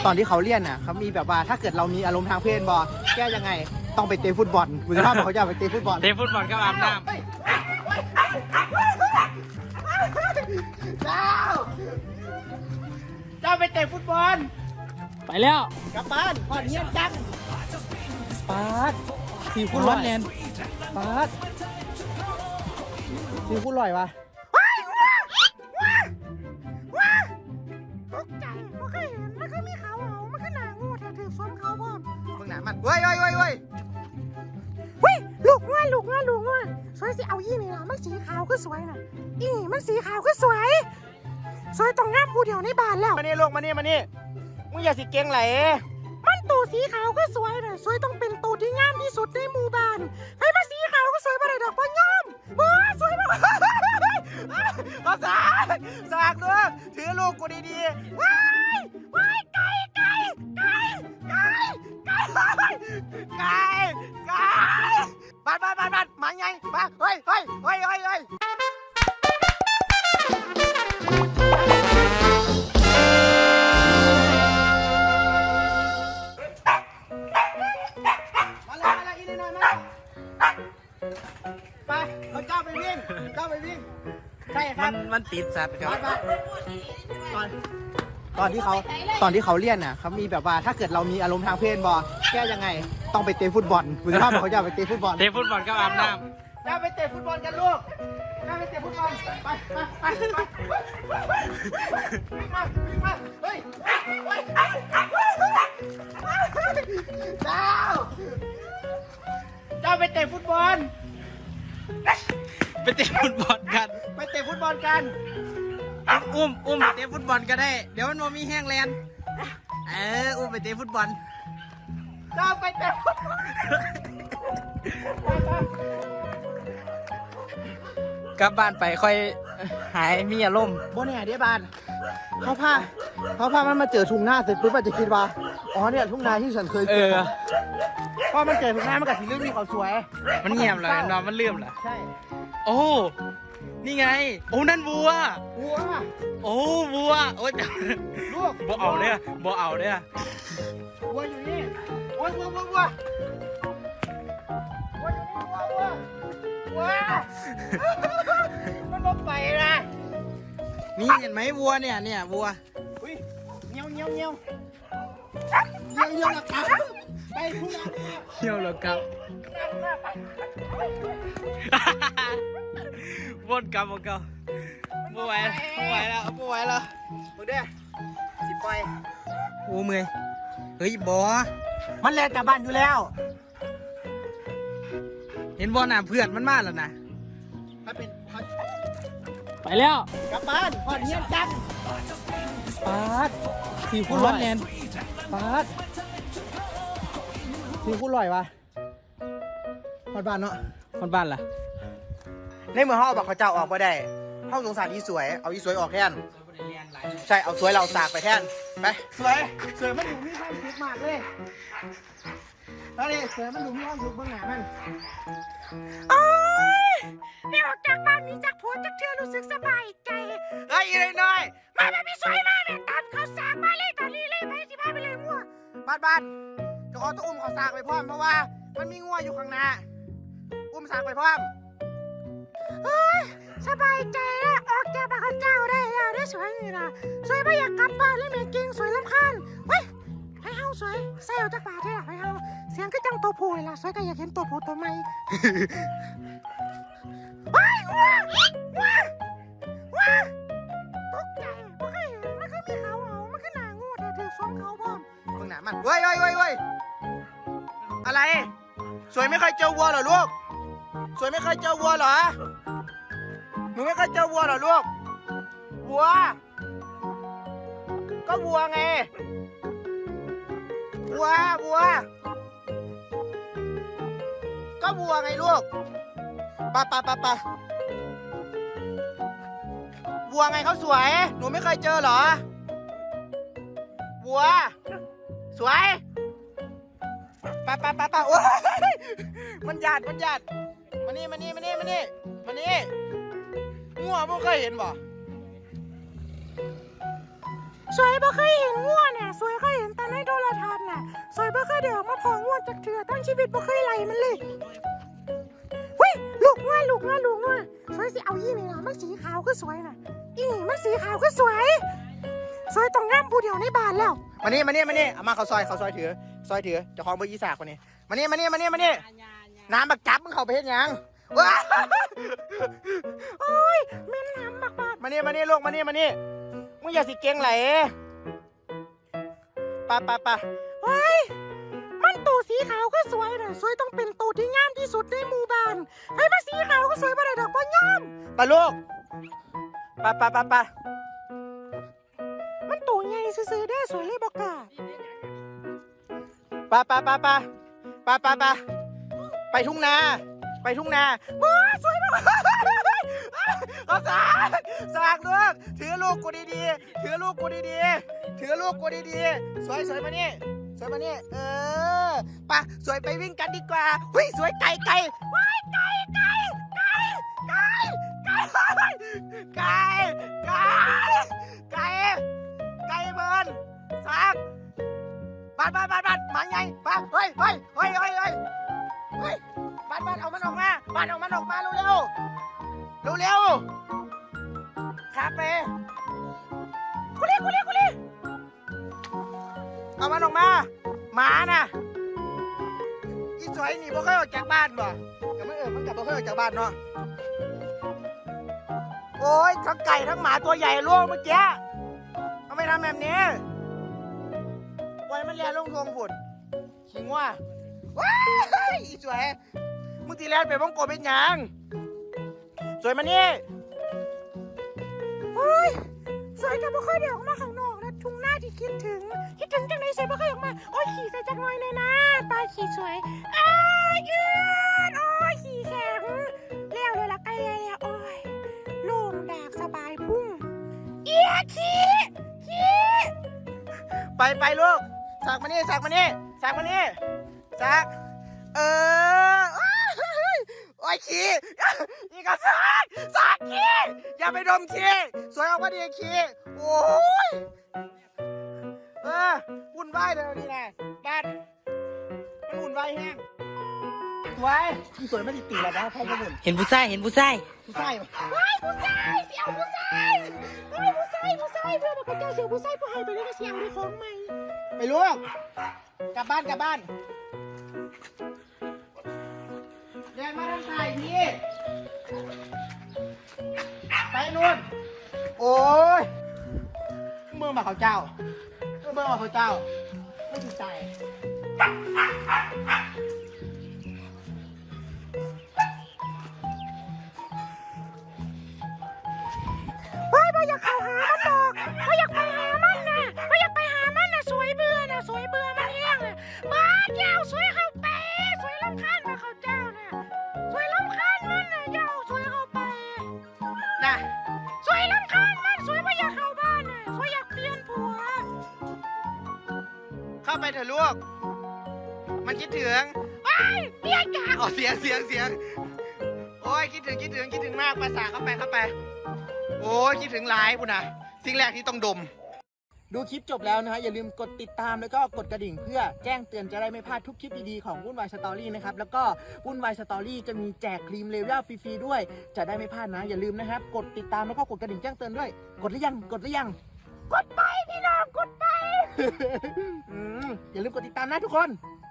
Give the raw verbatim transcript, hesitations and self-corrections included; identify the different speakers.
Speaker 1: ตอนที่เขาเรียนน่ะเขามีแบบว่าถ้าเกิดเรามีอารมณ์ทางเพศบอแก้ยังไงต้องไปเตะฟุตบอลคุณภาพเขาจะไปเตะฟุตบอล
Speaker 2: เตะฟุตบอลก็อาบน้ำ
Speaker 1: เจ้าเจ้าไปเตะฟุตบอล
Speaker 2: ไปแล้ว
Speaker 1: กลับบ้านพอดเงียบจังปาดสีคู่ร้อนแนนปาดสีคู่ลอยวะ
Speaker 3: ตกใจเพราะเคยเห็นมันก็มีเขาเอามันก็หนางูแถวถือส้มเขาพร้อม
Speaker 1: มึงหนามันเว้ยเว้ยเว้ยเว้ย
Speaker 3: เฮ้ยลูกง่วลูกง่วลูกง่วสวยสิเอาอีนี่ล่ะมันสีขาวก็สวยน่ะอีนี่มันสีขาวก็สวยสวยต้องงามผู้เดียวในบ้านแล้ว
Speaker 1: มานี่ลูกมานี่มานี่มึงอย่าสิเก่งไหล
Speaker 3: มันตัวสีขาวก็สวยน่ะสวยต้องเป็นตัวที่งามที่สุดในหมู่บ้านให้มาสีขาวก็สวยบ่ได้ดอกบ่ยอมบ่สวยบ่
Speaker 1: ภาษาสากด้วยถือลูกกูดี
Speaker 3: ว้ายว้ายไก่ไก่ไก่ไก่ไก่
Speaker 1: ๆไก่ไก่บ้านบ้านบ้านบ้านมาไงมาเฮ้ยเฮ้ยเฮ้ยเฮ้ยเฮ้ยมาเลยมาเลยอีนี่หน่อยมาไปเอาเจ้าไปวิ่งเจ้าไปวิ่งใช่ค
Speaker 2: มั
Speaker 1: รับ
Speaker 2: นมันติดสัตว์ครับ
Speaker 1: ตอนตอนที่เขาตอนที่เขาเรียนน่ะเขามีแบบว่าถ้าเกิดเรามีอารมณ์ทางเพศบอแก้ยังไงต้องไปเตะฟุตบอลคุณภาพเขาจะไปเตะฟุตบอล
Speaker 2: เตะฟุตบอลก็อาบน้
Speaker 1: จะไปเตะฟุตบอลกันลูกจะไปเตะฟุตบอลไปไปไปไปวิ่งมาวิ่งมาเฮ้ยเจ้าเจ้าไปเตะฟุตบอล
Speaker 2: ำไปเตะฟุตบอลกัน
Speaker 1: ไปเตะฟุตบอลกัน
Speaker 2: อุ้มอุ้มไปเตะฟุตบอลก็ได้เดี๋ยวมันบ่มีแห้งแลนเอออุ้มไปเตะฟุตบอล
Speaker 1: เจ้าไปเตะฟุตบอล
Speaker 2: กลับบ้านไปค่อยหายมีอารมณ์
Speaker 1: โบเนี่ยเดี๋ยวบานเขาพาเขาพามันมาเจอทุ่งนาเสร็จปุ๊บมันจะคิดว่าอ๋อเนี่ยทุ่งนาที่ฉันเคย
Speaker 2: เอ
Speaker 1: เจอ
Speaker 2: อ
Speaker 1: พอมันเจอทุ่งนามันกับสีเรื่องมีเขาสวย
Speaker 2: มันเงียบเลยนอนมันเลื่อมเหรอ
Speaker 1: ใช่
Speaker 2: โอ้นี่ไงโอ้นั่นวัว
Speaker 1: วัว
Speaker 2: โอ้วัวโอ้ย
Speaker 1: ลูก
Speaker 2: บ่เอาเนี่ยบ่เอาเนี่ย
Speaker 1: วัวอยู่นี่วัววัววัววัววัวอยู่นี่วัววัววัวมันลบไปนะ
Speaker 2: นี่เห็นไหมวัวเนี่ยเนี่ยวัว
Speaker 1: อุ้ยเงี้ยวเงี้ยวเงี้ยวเงี้ยวเงี้ยวนะครับไปทุ่งนา
Speaker 2: เที่ยวแล้วครับวนกลับวนกลับไม่ไหวแล้วไม่ไหวแล้วไม่ไหวแล้ว
Speaker 1: มึงเด้อสิปล่อย
Speaker 2: โอ้เมื่อยเฮ้ยบอ
Speaker 1: มันแลนกลับบ้านอยู่แล้ว
Speaker 2: เห็นบอหน่ะเพื่อนมันมาแล้วนะ
Speaker 1: ถ้าเป็นถ้า
Speaker 2: ไปแล้ว
Speaker 1: กลับบ้านพอดเงียบจังปาดสีคู่ร้อนแนนปาดสีคู่ลอยวะพอดบ้านเนาะ
Speaker 2: คนบ้านล่ะ
Speaker 1: ในเมื่อเขาบอกเขาเจ้าออกมาได้เขาสงสารอีสวย เอาอีสวยออกแทนใช่ เอาสวยเราสากไปแทน ไป สวย สวยมันอยู่มีความสุขมากเลยแล้วนี่สวยมันอยู่มีความสุขเบื้องหน้ามัน
Speaker 3: โอ้ยนี่ออกจากบ้านนี้จากผัวจากเธอรู้สึกสบายใจ
Speaker 1: เฮ้ยอีน้อย
Speaker 3: มาแบบพี่สวยมาแม่ตามเขาสร้างมาเลยตอนนี้เลยไปสิพาไปเลยงัว
Speaker 1: บ้านบ้านเจะขอต้องอุ้มเขาสากไปพร้อมเพราะว่ามันมีงัวอยู่ข้างหน้า อุ้มสากไปพร้อม
Speaker 3: เฮ้ยสบายใจแล้วออกจากบ้านเขาเจ้าได้แล้วได้สวยนี่นะสวยไม่อยากกลับบ้านเลยแม่เก่งสวยลำคาญเฮ้ยให้เฮาสวยใส่ออกจากบ้านเถอะให้เฮาเสียงก็จังตัวผู้เลยล่ะสวยก็อยากเห็นตัวผู้ตัวใหม่ว้ายงัวงัวงัวตกใจเพราะเคยเห็นมันก็มีเขาเอามันก็หนางูแถวถือส้มเขาพร้อม
Speaker 1: เบื้องหน้ามันเว้ยเว้ยเว้ยเว้ยอะไร สวยไม่เคยเจอวัวเหรอลูก สวยไม่เคยเจอวัวเหรอ หนูไม่เคยเจอวัวเหรอลูก วัว ก็วัวไง วัว วัว ก็วัวไงลูกไปไปไปไปวัวไงเขาสวย หนูไม่เคยเจอเหรอ วัว สวยไปไปไปไปโอ้ยมันหยาดมันหยาดมานี่มานี่มานี่มานี่มานี่งัวไม่เคยเห็นบ่
Speaker 3: สวยบ่เคยเห็นงัวเนี่ยสวยเคยเห็นแต่จากเถื่อตั้งชีวิตบ่เคยไหลมันเลยเฮ้ยลูกว่าลูกว่าลูกว่าสวยสิเอายี่นี่นะมันสีขาวก็สวยน่ะอีนี่มันสีขาวก็สวยสวยต้องงามผู้เดียวในบ้านแล้ว
Speaker 1: มานี่มานี่มานี่เอามาเขาซอยเขาซอยถือซอยถือเจ้าของเบอร์ยี่สากคนนี้มานี่มานี่มานี่มานี่น้ำบักจับมึงเข้าไปเห็นยังว้า
Speaker 3: โอ้ยแม่นน้ำบักบาด
Speaker 1: มานี่มานี่ลูกมานี่มานี่มึงอย่าสิเก่งไหลปะปะปะ
Speaker 3: เฮ้ยมันตัวสีขาวก็สวยน่ะสวยต้องเป็นตัวที่งามที่สุดในหมู่บ้านไอ้มาสีขาวก็สวยบ่ได้ดอกบ่งาม
Speaker 1: ปะลูกปะปะปะปะ
Speaker 3: มันตัวใหญ่ซื่อๆได้สวยเลยบอกกา
Speaker 1: ปะปะปะปะปะปะปะไปทุ่งนาไปทุ่งนา
Speaker 3: ว้าสวยมาก
Speaker 1: เอาสากสากลูกถือลูกกูดีๆถือลูกกูดีๆถือลูกกูดีๆสวยสวยมานี่สวยมานี่เออปะสวยไปวิ่งกันดีกว่าหุ้ยสวยไก่ไก่ว้ายไก่ไก่ไก่ไก่ไก่ไก่ไก่ไก่ไก่เบิร์นสากบานบานบานบานมาไงปะเฮ้ยเฮ้ยเฮ้ยเฮ้ยเฮ้ยเฮ้ยบานบานเอามันออกมาบานเอามันออกมาเร็วเร็วเร็วเร็วครับเป้กุลีกุลีกุลีเอามันออกมาหมาน่ะอีสวยนี่บ่เคยออกจากบ้านบ่ก็ไม่เออมันกลับบ่เคยออกจากบ้านเนาะโอ้ยทั้งไก่ทั้งหมาตัวใหญ่ล่วงเมื่อกี้ทำไมทำแบบนี้ปล่อยมันเลียลงทวงฝุ่นขิงว่าว้ายอีสวยมึงตีแลนไปบ้องโกเป็นหยังสวยมานี่
Speaker 3: โอ้ยสวยแต่บ่ค่อยได้ออกมาข้างนอกนะทุ่งหน้าที่คิดถึงคิดถึงจังไหนสวยบ่ค่อยออกมาโอ้ยขี่ใส่จักหน่อยเลยนะตาขี่สวยอ้ายยืดโอ้ยขี่แข็งเลี้ยวเลยละใกล้แล้วโอ้ยโล่งดากสบายพุ่งเอียขี่ขี่
Speaker 1: ไปไปลูกสักมานี่สักมานี่สักมานี่สักเออโอ้ยขี้อีกก็สักสักขี้อย่าไปดมขี้สวยออกมาดีขี้โอ้ยเออวุ่นวายเลยนี่นะบ้านมันวุ่นวายแห้งสวยสวยไม่ติดตีแล้วนะพ่อมาหมุน
Speaker 2: เห็นผู้ชายเห็นผู้ชาย
Speaker 1: ผู้ชาย
Speaker 3: เฮ้ยผู้ชายเสียวผู้ชายเฮ้ยผู้ชายผู้ชายเพื่อนบอกกับเจ้าเสียวผู้ชายผู้ให้ไปเลยก็เสียวในของใหม่
Speaker 1: ไปลูกกลับบ้านกลับบ้านเดินมาทางซ้ายพี่ไปนู่นโอ้ยเมื่อมาเขาเจ้าเมื่อมาเขาเจ้าไม่ถูกใจ
Speaker 3: เฮ้ยบ่อยากเข้าหามันดอกบ่อยากไปหามันน่ะบ่อยากไปหามันน่ะสวยเบื่อน่ะสวยเบื่อมันแห้งน่ะบ้าเจ้าสวยเข้าไปสวยรำคาญมาเขาเจ้าน่ะสวยรำคาญมันน่ะเจ้าสวยเข้าไป
Speaker 1: นะ
Speaker 3: สวยรำคาญมันสวยบ่อยากเข้าบ้านน่ะสวยอยากเปลี่ยนผัว
Speaker 1: เข้าไปเถอะลูกมันคิดถึง
Speaker 3: ไอ้ยเปลี่ยนกะ
Speaker 1: อ๋อเสียงเสียงเสียงโอ้ยคิดถึงคิดถึงคิดถึงมากภาษาเข้าไปเข้าไปโอ้ยคิดถึงหลายปุ่นนะสิ่งแรกที่ต้องดมดูคลิปจบแล้วนะฮะอย่าลืมกดติดตามแล้วก็กดกระดิ่งเพื่อแจ้งเตือนจะได้ไม่พลาดทุกคลิปดีๆของวุ่นวายสตอรี่นะครับแล้วก็วุ่นวายสตอรี่จะมีแจกครีมเลเวลฟรีๆด้วยจะได้ไม่พลาดนะอย่าลืมนะครับกดติดตามแล้วก็กดกระดิ่งแจ้งเตือนด้วยกดหรือยังกดหรือยัง
Speaker 3: กดไปพี่น้องกดไป
Speaker 1: อืมอย่าลืมกดติดตามนะทุกคน